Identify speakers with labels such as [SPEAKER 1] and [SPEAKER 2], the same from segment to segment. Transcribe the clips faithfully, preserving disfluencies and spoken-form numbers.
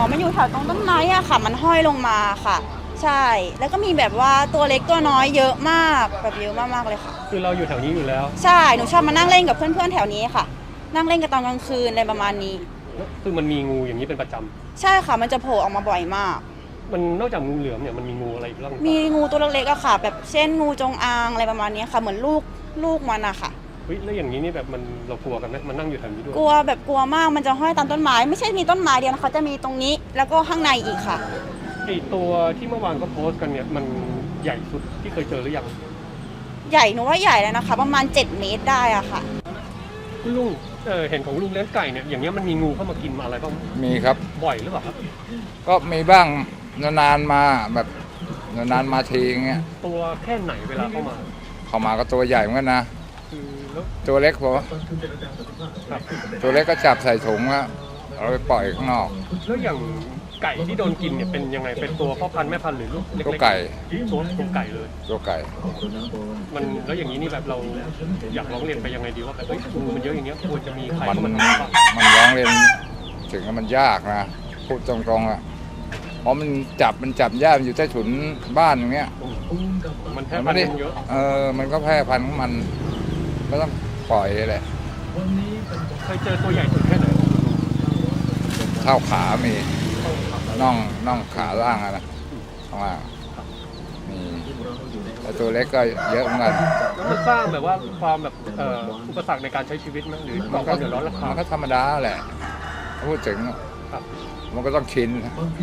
[SPEAKER 1] มันอยู่แถวตรงต้นไม้อะค่ะมันห้อยลงมาค่ะใช่แล้วก็มีแบบว่าตัวเล็กตัวน้อยเยอะมากแบบเยอะมากๆเลยค่ะ
[SPEAKER 2] คือเราอยู่แถวนี้อยู่แล้ว
[SPEAKER 1] ใช่หนูชอบมานั่งเล่นกับเพื่อนๆแถวนี้ค่ะนั่งเล่นกันตอนกลางคืนอะไรประมาณนี้
[SPEAKER 2] คือมันมีงูอย่างนี้เป็นประจำ
[SPEAKER 1] ใช่ค่ะมันจะโผล่ออกมาบ่อยมาก
[SPEAKER 2] มันนอกจากงูเหลือมเนี่ยมันมีงูอะไรอีกบ้าง
[SPEAKER 1] มีงูตัวเล็กๆอะค่ะแบบเช่นงูจงอางอะไรประมาณนี้ค่ะเหมือนลูกลูกมันอะค่ะ
[SPEAKER 2] เฮ้ยแล้วอย่างนี้นี่แบบมันเรากลัวกันไหมมันนั่งอยู่แถวนี้ด้วย
[SPEAKER 1] กลัวแบบกลัวมากมันจะห้อยตามต้นไม้ไม่ใช่มีต้นไม้เดียวนะคะจะมีตรงนี้แล้วก็ข้างในอีกค่ะ
[SPEAKER 2] ไอตัวที่เมื่อวานก็โพสต์กันเนี่ยมันใหญ่สุดที่เคยเจอหรือยัง
[SPEAKER 1] ใหญ่หนูว่าใหญ่แล้วนะคะประมาณเจ็ดเมตรได้อะค่ะ
[SPEAKER 2] คุณลุงเออเห็นของลุงเลี้ยงไก่เนี่ยอย่างเงี้ยมันมีงูเข้ามากินมาอะไรบ้าง
[SPEAKER 3] มีครับ
[SPEAKER 2] บ่อยหรือเปล่าครับ
[SPEAKER 3] ก็มีบ้างนานๆมาแบบนานๆมาทีอย่างเงี้ย
[SPEAKER 2] ตัวแค่ไหนเวลาเข้ามา
[SPEAKER 3] เข้ามาก็ตัวใหญ่เหมือนกันนะตัวเล็กพอตัวเล็กก็จับใส่ถุงแล้วเอาไปปล่อยข้างนอก
[SPEAKER 2] แล้วอย่างไก่ที่โดนกินเนี่ยเป็นยังไงเป็นตัวพ่อพันธุ์แม่พันธุ์หรือลูกเล็กๆ
[SPEAKER 3] ตัวไก่
[SPEAKER 2] ตัวตัวไก่เลย
[SPEAKER 3] ตัวไก่
[SPEAKER 2] มันแล้วอย่างนี้นี่แบบเราอยากร้องเรียนไปยังไงดีว่าแบบเอ้ยงูมันเยอะอย่างเงี้ยควรจะมีใคร
[SPEAKER 3] มัน
[SPEAKER 2] มัน
[SPEAKER 3] ร้องเรียนถึงมันยากนะพูดตรงๆอ่ะเพราะมันจับมันจับยากอยู่ใต้ถุนบ้านอย่างเงี้ย
[SPEAKER 2] มันแพร่พันธุ์เยอะ
[SPEAKER 3] เออมันก็แพร่พันธุ์ของมันก็ต้องปล่อยแหละ
[SPEAKER 2] เคยเจอตัวใหญ่สุดแค่ไหน
[SPEAKER 3] เท่าขามีน่องน่องขาล่างอะนะข้างล่างมีแต่ตัวเล็กก็เยอะเหมือนกัน
[SPEAKER 2] แล้วมันสร้างแบบว่าความแบบเอ่ออุปสรรคในการใช้ชีวิตไหมหรือมันก็เดือดร้อนราคา
[SPEAKER 3] มันก็ธรรมดาแหละพูดถึงมันก็ต้องชิน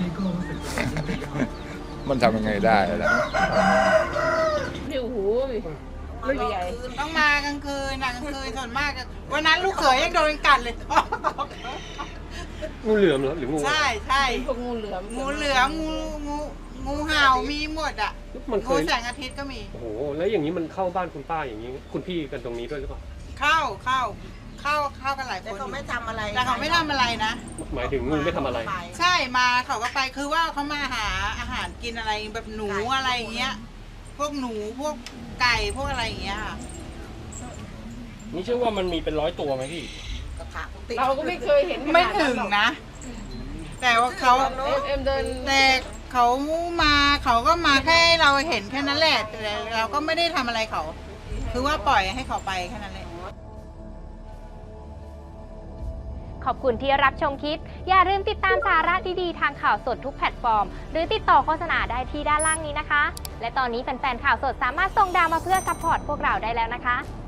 [SPEAKER 3] มันทำยังไงได้ล่ะ
[SPEAKER 4] หิวหู
[SPEAKER 5] ใหญ่ต้องมากลางคืนกลางคืนส่วนมากวันนั้นลูกเขยยังโดนกัดเลย
[SPEAKER 2] งูเหลือมเหรอหรืองู
[SPEAKER 5] ใช่ใช่
[SPEAKER 4] พวกงูเหลือม
[SPEAKER 5] งูเหลือมงูงูงูเห่ามีหมดอ่ะงูแสงอาทิตย์ก็มี
[SPEAKER 2] โอ้โหแล้วอย่างนี้มันเข้าบ้านคุณป้าอย่างนี้คุณพี่กันตรงนี้ด้วยหรือเปล่า
[SPEAKER 5] เข้าเข้าเข้าเข้ากันหลายคน
[SPEAKER 4] แต่เขาไม่ทำอะไร
[SPEAKER 5] แต่เขาไม่ทำอะไรนะ
[SPEAKER 2] หมายถึงงูไม่ทำอะไร
[SPEAKER 5] ใช่มาเขาก็ไปคือว่าเขามาหาอาหารกินอะไรแบบหนูอะไรอย่างเงี้ยพวกหนูพวกไก่พวกอะไรอย่างเงี้ย
[SPEAKER 2] นี่เชื่อว่ามันมีเป็นร้อยตัวไหมพี่
[SPEAKER 4] เราก็ไม่เคยเห็น
[SPEAKER 5] ไม่ถึงนะแต่ว่าเขา
[SPEAKER 4] เอ็มเดิน
[SPEAKER 5] แต่เขามาเขาก็มาแค่เราเห็นแค่นั้นแหละแต่เราก็ไม่ได้ทำอะไรเขาคือว่าปล่อยให้เขาไปแค่นั้นแหละ
[SPEAKER 6] ขอบคุณที่รับชมคลิปอย่าลืมติดตามสาระดีๆทางข่าวสดทุกแพลตฟอร์มหรือติดต่อโฆษณาได้ที่ด้านล่างนี้นะคะและตอนนี้แฟนๆข่าวสดสามารถส่งดาวมาเพื่อซัพพอร์ตพวกเราได้แล้วนะคะ